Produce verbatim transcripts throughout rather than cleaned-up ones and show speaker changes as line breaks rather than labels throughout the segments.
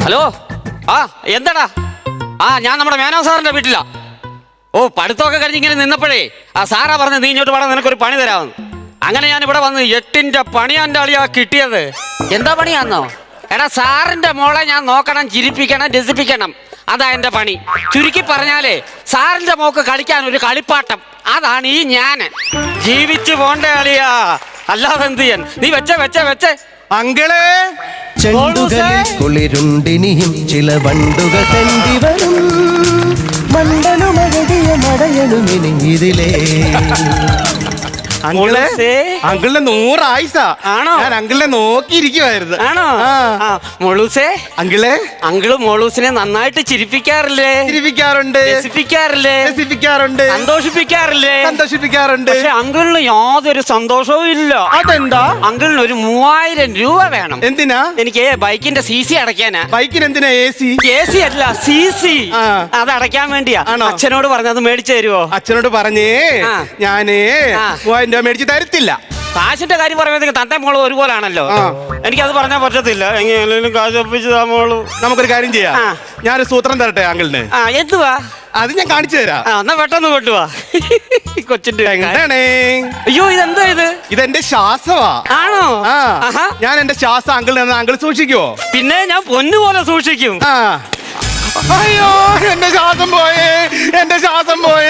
Hello, ആ എന്താടാ? ആ ഞാൻ നമ്മുടെ മേനോ സാറിന്റെ വീട്ടിലാ. ഓ പഠിത്തമൊക്കെ കഴിഞ്ഞ് ഇങ്ങനെ നിന്നപ്പോഴേ ആ സാറാ പറഞ്ഞ് നീ ഇങ്ങോട്ട് വേണം, നിനക്കൊരു പണി തരാമെന്ന്. അങ്ങനെ ഞാൻ ഇവിടെ വന്ന് എട്ടിന്റെ പണിയാൻ്റെ അളിയാ കിട്ടിയത്. എന്താ പണിയാന്നോ? എടാ സാറിന്റെ മോളെ ഞാൻ നോക്കണം, ചിരിപ്പിക്കണം, രസിപ്പിക്കണം. അതാ എന്റെ പണി. ചുരുക്കി പറഞ്ഞാലേ സാറിന്റെ മോക്ക് കളിക്കാൻ ഒരു കളിപ്പാട്ടം, അതാണ് ഈ ഞാൻ. ജീവിച്ചു പോണ്ട അളിയാ, അല്ലാതെ എന്ത് ചെയ്യാൻ? നീ വെച്ച വെച്ച വെച്ചേ
അങ്കിളെ.
ചെണ്ടുകളിൽ കുളിരുണ്ടിനിയും ചില വണ്ടുകൾ കണ്ടിവരും മണ്ഡലുമഴകിയ മടയണുമിനി ഇതിലേ.
അങ്കിളെ, അങ്കിളിന്റെ നൂറായിസ
ആണോ?
ഞാൻ അങ്കിളിനെ നോക്കിയിരിക്കുവായിരുന്നു.
ആണോ? മോളൂസേ,
അങ്കിളെ.
അങ്കിള് മോളൂസിനെ നന്നായിട്ട് ചിരിപ്പിക്കാറില്ലേ?
ചിരിപ്പിക്കാറുണ്ട്,
രസിപ്പിക്കാറില്ലേ?
രസിപ്പിക്കാറുണ്ട്,
സന്തോഷിപ്പിക്കാറില്ലേ?
സന്തോഷിപ്പിക്കാറുണ്ട്.
പക്ഷെ അങ്കിളിന് യാതൊരു സന്തോഷവും ഇല്ല.
അതെന്താ?
അങ്കിളിന് ഒരു മൂവായിരം രൂപ വേണം.
എന്തിനാ?
എനിക്ക് ബൈക്കിന്റെ സി സി അടയ്ക്കാനാ.
ബൈക്കിന് എന്തിനാ എ സി?
എ സി അല്ല, സി സി. അത് അടയ്ക്കാൻ വേണ്ടിയാ. അച്ഛനോട് പറഞ്ഞത് മേടിച്ചു തരുവോ?
അച്ഛനോട് പറഞ്ഞേ ഞാനേ മൂവായിരം രൂപ മേടിച്ച് തരത്തില്ല.
കാശിന്റെ കാര്യം പറയുമ്പോഴത്തേക്ക് തന്റെ മോള് ഒരുപോലാണല്ലോ. എനിക്കത് പറഞ്ഞാൽ പറ്റത്തില്ല. എങ്ങനെയാണെങ്കിലും കാശ് ഒപ്പിച്ച് താ മോള്.
നമുക്കൊരു കാര്യം ചെയ്യാം, ഞാനൊരു സൂത്രം തരട്ടെ അങ്കിളിന്.
ആ എന്തുവാ?
അത് ഞാൻ കാണിച്ചു തരാം.
എന്നാ പെട്ടെന്ന് കൊണ്ടുവാ. കൊച്ചിന്റെ
അയ്യോ ഇതെന്താ ഇത്? ഇതെന്റെ ശ്വാസമാ.
ആണോ?
ഞാൻ എന്റെ ശ്വാസം അങ്കിളിന് അങ്കിൾ സൂക്ഷിക്കുവോ?
പിന്നെ ഞാൻ പൊന്നുപോലെ സൂക്ഷിക്കും.
അയ്യോ എന്റെ ശ്വാസം പോയേ, എന്റെ ശ്വാസം പോയേ.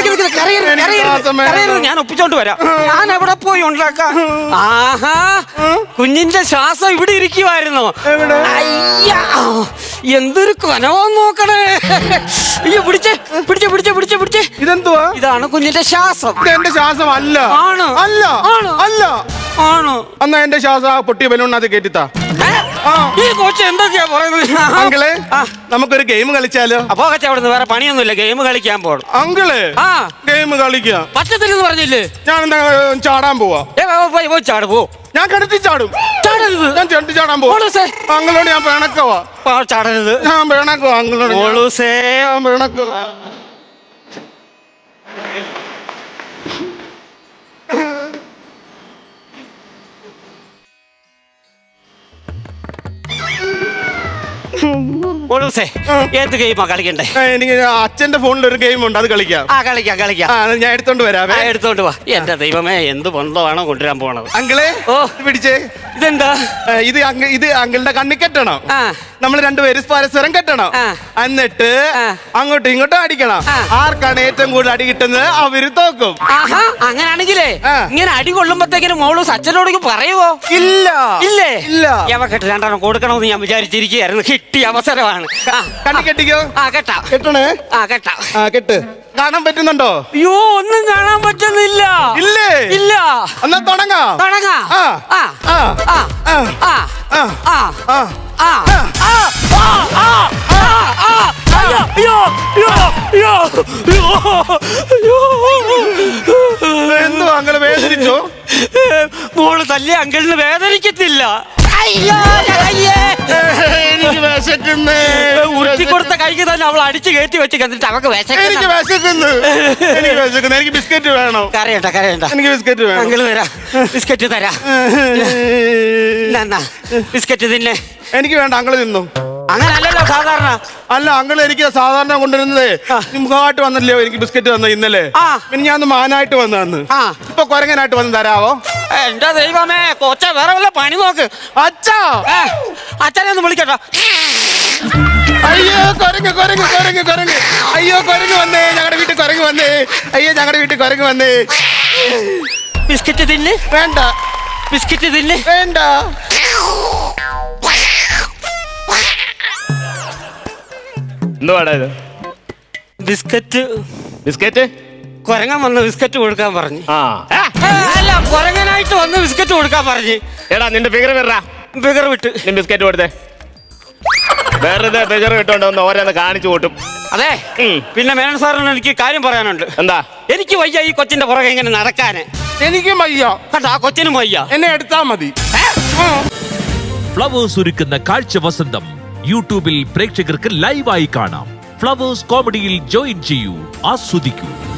ഞാൻ ഒപ്പിച്ചോണ്ട് വരാം. ഞാൻ എവിടെ പോയി ഉണ്ടാക്കാം? ആഹാ, കുഞ്ഞിന്റെ ശ്വാസം ഇവിടെ ഇരിക്കുവായിരുന്നോ? അയ്യാ എന്തൊരു കൊനവാന്ന് നോക്കണേ. അയ്യോ പിടിച്ചേ പിടിച്ചേ പിടിച്ചേ പിടിച്ചേ പിടിച്ചേ.
ഇതെന്തുവാ?
ഇതാണ് കുഞ്ഞിന്റെ ശ്വാസം.
എന്റെ ശ്വാസം അല്ല.
ആണ്
അല്ല അല്ല
ആണോ?
എന്നാ എന്റെ ശ്വാസം പൊട്ടിയ ബലൂണിനകത്ത് കേറ്റിത്താ.
ഈ കൊച്ചു എന്തൊക്കെയാ പറയുന്നത്?
അങ്കിളെ, നമുക്കൊരു ഗെയിം കളിച്ചാലോ?
അപ്പൊ അവിടുന്ന് വേറെ പണിയൊന്നുമില്ല, ഗെയിം കളിക്കാൻ പോണം.
അങ്കിള് ആ ഗെയിം കളിക്കാം
പറ്റത്തില്ലെന്ന് പറഞ്ഞില്ലേ?
ഞാൻ എന്താ ചാടാൻ പോവാ.
ചാട് പോ.
ഞാൻ കിടത്തി ചാടും.
ചാടരുത്.
ഞാൻ ചെണ്ടി ചാടാൻ പോവാ. അങ്കിളോട് ഞാൻ പിണക്കവാ.
ചാടരുത്.
ഞാൻ പിണക്കവാ അങ്കിളോട്.
ഞാൻ
പിണക്കവാ.
ഏത് ഗെയിമാ കളിക്കണ്ടേ?
എനിക്ക് അച്ഛന്റെ ഫോണിൽ ഒരു ഗെയിം ഉണ്ട്, അത് കളിക്കാം.
ആ കളിക്കാം കളിക്കാം.
ഞാൻ എടുത്തോണ്ട് വരാം.
എടുത്തോണ്ട് വാ. എന്റെ ദൈവമേ, എന്ത് ബന്ധമാണോ കൊണ്ടുവരാൻ പോണത്?
അങ്കിളെ ഓ പിടിച്ചേ. ഇതെന്താ? ഇത് ഇത് അങ്കിളുടെ കണ്ണി കെട്ടണം. നമ്മൾ രണ്ടുപേരും പരസ്പരം കെട്ടണം. എന്നിട്ട് അങ്ങോട്ടും ഇങ്ങോട്ടും അടിക്കണം. ആർക്കാണ് ഏറ്റവും കൂടുതൽ അടി കിട്ടുന്നത് അവര് തോക്കും.
അങ്ങനെയാണെങ്കിലേ ഇങ്ങനെ അടി കൊള്ളുമ്പോഴത്തേക്കിനും മോള് അച്ഛനോട് പറയുവോ?
ഇല്ല
ഇല്ലേ?
ഇല്ല.
യവ കെട്ട് രണ്ടെണ്ണം കൊടുക്കണമെന്ന് ഞാൻ വിചാരിച്ചിരിക്കുകയായിരുന്നു. കിട്ടിയ അവസരമാണ്.
കണ്ണി കെട്ടിക്കോ.
ആ കെട്ടാം.
കെട്ടണേ. ആ
കെട്ടാം.
ആ കെട്ട്. കാണാൻ പറ്റുന്നുണ്ടോ?
അയ്യോ ഒന്നും കാണാൻ പറ്റുന്നില്ല.
ഇല്ലേ?
ഇല്ല.
എന്നാ തുടങ്ങാം.
തുടങ്ങാം.
ആ ആ ആ ആ ആ ആ ആ ആ എന്തോ അങ്കിള് വേദനിച്ചോ?
മോള് തല്ലി അങ്കിളിന് വേദനിക്കത്തില്ല.
എനിക്ക് വിശക്കുന്നു.
ഉരുട്ടി കൊടുത്ത കൈക്ക് തന്നെ അവൾ അടിച്ചു കയറ്റി വെച്ച് കണ്ടിട്ട് അവക്ക്
എനിക്ക് വിശക്കുന്നു. എനിക്ക് വിശക്കുന്നു. എനിക്ക് ബിസ്ക്കറ്റ് വേണം.
കരയണ്ട കരയണ്ട.
എനിക്ക് ബിസ്ക്കറ്റ് വേണം.
അങ്കിള് തരാം. ബിസ്ക്കറ്റ് തരാം. ബിസ്ക്കറ്റ് തിന്നെ.
എനിക്ക് വേണ്ട, അങ്കിള് തിന്നു.
അങ്ങനല്ലല്ലോ സാധാരണ.
അല്ല അങ്കിള് എനിക്ക് സാധാരണ കൊണ്ടുവരുന്നത് മുഖമായിട്ട് വന്നല്ലോ എനിക്ക് ബിസ്ക്കറ്റ് തന്ന ഇന്നലെ. പിന്നെ ഞാൻ മാനായിട്ട് വന്നു. ഇപ്പൊ കൊരങ്ങനായിട്ട് വന്ന് തരാവോ?
എന്റെ ദൈവമേ, കൊച്ച വേറെ വല്ല പണി നോക്ക്.
അച്ഛാ,
അച്ഛനെ ഒന്ന് വിളിക്കട്ടോ.
അയ്യോ കൊരങ്ങ് കൊരങ്ങ് കൊരങ്ങ് കൊരങ്ങ്. അയ്യോ കൊരങ്ങ് വന്നേ, ഞങ്ങളുടെ വീട്ടിൽ കൊരങ്ങ് വന്നേ. അയ്യോ ഞങ്ങളുടെ വീട്ടിൽ കൊരങ്ങ് വന്നേ.
ബിസ്ക്കറ്റ് തിന്ന്.
വേണ്ട.
ബിസ്ക്കറ്റ് തിന്ന്.
വേണ്ട. എന്തുവാടാ ഇത്?
ബിസ്ക്കറ്റ്.
ബിസ്ക്കറ്റ്?
കൊരങ്ങൻ വന്ന് ബിസ്ക്കറ്റ് കൊടുക്കാൻ പറഞ്ഞു.
ആ
അല്ല, കൊരങ്ങനായിട്ട് വന്ന് ബിസ്ക്കറ്റ് കൊടുക്കാൻ പറഞ്ഞു.
എടാ നിന്റെ ഫിഗർ വിടറാ.
ഫിഗർ വിട്ട്
നീ ബിസ്ക്കറ്റ് കൊടുത്തേ. വെറുതെ ഫിഗർ വിട്ടോണ്ട് ഓരോന്ന് കാണിച്ചു കൂട്ടും.
അതെ. പിന്നെ മേനോൻ സാറിന് എനിക്ക് കാര്യം പറയാനുണ്ട്.
എന്താ?
എനിക്ക് വയ്യ ഈ കൊച്ചിന്റെ പുറകെ ഇങ്ങനെ നടക്കാന്.
എനിക്കും വയ്യ.
കണ്ടാ, ആ കൊച്ചിനും വയ്യ.
എന്നെ എടുത്താ മതി.
ഫ്ലവേഴ്സ് ഒരുക്കുന്ന കാഴ്ച വസന്തം യൂട്യൂബിൽ പ്രേക്ഷകർക്ക് ലൈവായി കാണാം. ഫ്ലവേഴ്സ് കോമഡിയിൽ ജോയിൻ ചെയ്യൂ, ആസ്വദിക്കൂ.